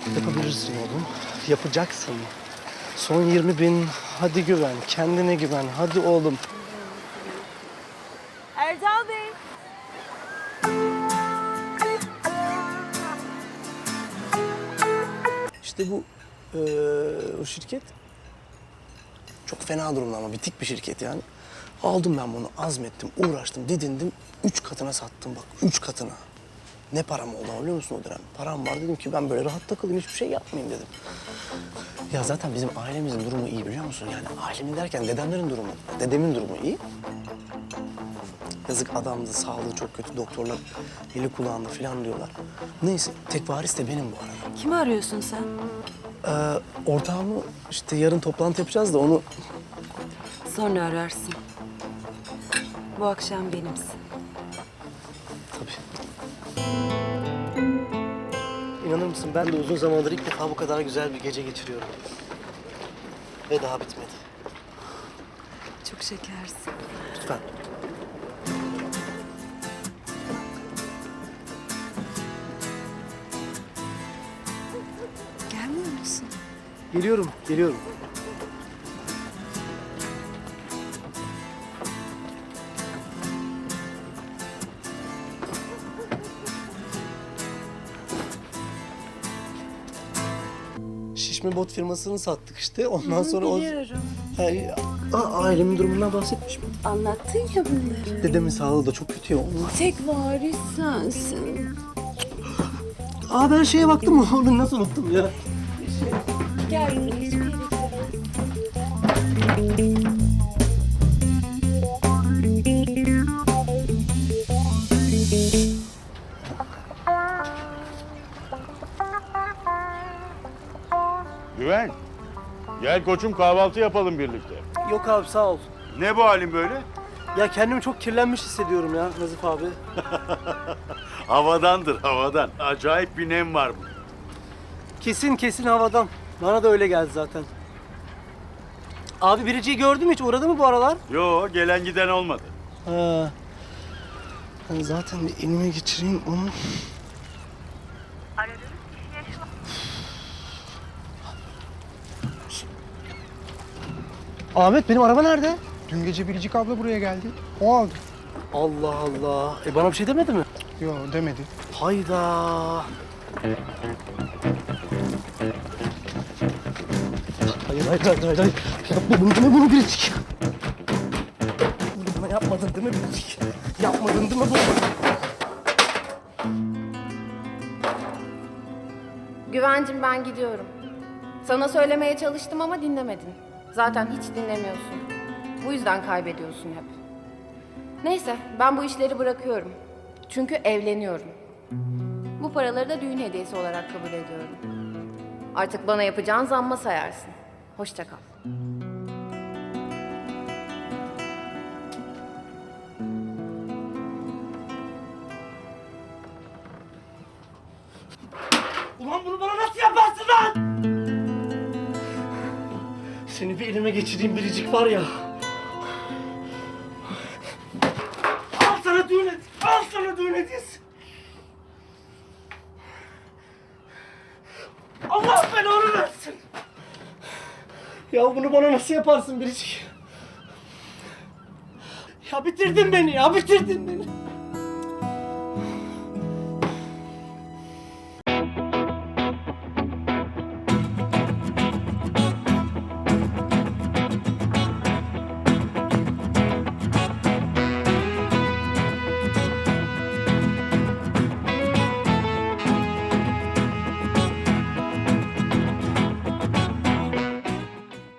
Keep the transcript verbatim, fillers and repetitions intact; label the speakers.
Speaker 1: Yapabilirsin oğlum. Yapacaksın. Son yirmi bin. Hadi güven. Kendine güven. Hadi oğlum.
Speaker 2: Erdal Bey.
Speaker 1: İşte bu eee, o şirket çok fena durumda ama bitik bir şirket yani. Aldım ben bunu, azmettim, uğraştım, didindim. Üç katına sattım bak, üç katına. Ne param oldu ama biliyor musun o dönem? Param var dedim ki ben böyle rahat takılayım, hiçbir şey yapmayayım dedim. Ya zaten bizim ailemizin durumu iyi biliyor musun? Yani ailemin derken dedemlerin durumu, dedemin durumu iyi. Yazık adamdı, sağlığı çok kötü, doktorlar eli kulağında falan diyorlar. Neyse, tek varis de benim bu arada.
Speaker 2: Kimi arıyorsun sen?
Speaker 1: Ee, ortağımı işte yarın toplantı yapacağız da onu...
Speaker 2: Sonra ararsın. Bu akşam benimsin.
Speaker 1: Tabii. İnanır mısın ben de uzun zamandır ilk defa bu kadar güzel bir gece geçiriyorum. Ve daha bitmedi.
Speaker 2: Çok şekersin.
Speaker 1: Lütfen.
Speaker 2: Gelmiyor musun?
Speaker 1: Geliyorum, geliyorum. Şişme bot firmasını sattık işte. Ondan sonra o...
Speaker 2: Biliyorum.
Speaker 1: Ay, a- ailemin durumundan bahsetmiş mi?
Speaker 2: Anlattın ya bunları.
Speaker 1: Dedemin sağlığı da çok kötü ya. Onun...
Speaker 2: Tek varis sensin.
Speaker 1: Aa ben şeye baktım mı? Onu nasıl unuttum ya?
Speaker 2: Gel hiçbir yere gidelim.
Speaker 3: Güven, gel koçum kahvaltı yapalım birlikte.
Speaker 1: Yok abi sağ ol.
Speaker 3: Ne bu halin böyle?
Speaker 1: Ya kendimi çok kirlenmiş hissediyorum ya Nazif abi.
Speaker 3: Havadandır, havadan. Acayip bir nem var bu.
Speaker 1: Kesin kesin havadan. Bana da öyle geldi zaten. Abi Biricik'i gördün mü hiç? Uğradı mı bu aralar?
Speaker 3: Yo, gelen giden olmadı.
Speaker 1: Ha. Ben zaten bir elime geçireyim onu. Ahmet benim araba nerede?
Speaker 4: Dün gece Biricik abla buraya geldi. O aldı.
Speaker 1: Allah Allah. E bana bir şey demedi mi?
Speaker 4: Yo demedi.
Speaker 1: Hayda. Hayır hayır hayır hayır. hayır. Yapma bunu değil mi bunu Biricik? Bunu bana yapmadın değil mi Biricik? Yapmadın değil mi bunu?
Speaker 5: Güvencim ben gidiyorum. Sana söylemeye çalıştım ama dinlemedin. Zaten hiç dinlemiyorsun. Bu yüzden kaybediyorsun hep. Neyse ben bu işleri bırakıyorum. Çünkü evleniyorum. Bu paraları da düğün hediyesi olarak kabul ediyorum. Artık bana yapacağın zamma sayarsın. Hoşça kal.
Speaker 1: Ulan bunu bana nasıl yaparsın lan? Seni bir elime geçireyim Biricik var ya. Al sana düğün hediyesi. Al sana düğün hediyesi. Allah belanı versin. Ya bunu bana nasıl yaparsın Biricik? Ya bitirdin beni ya, bitirdin beni.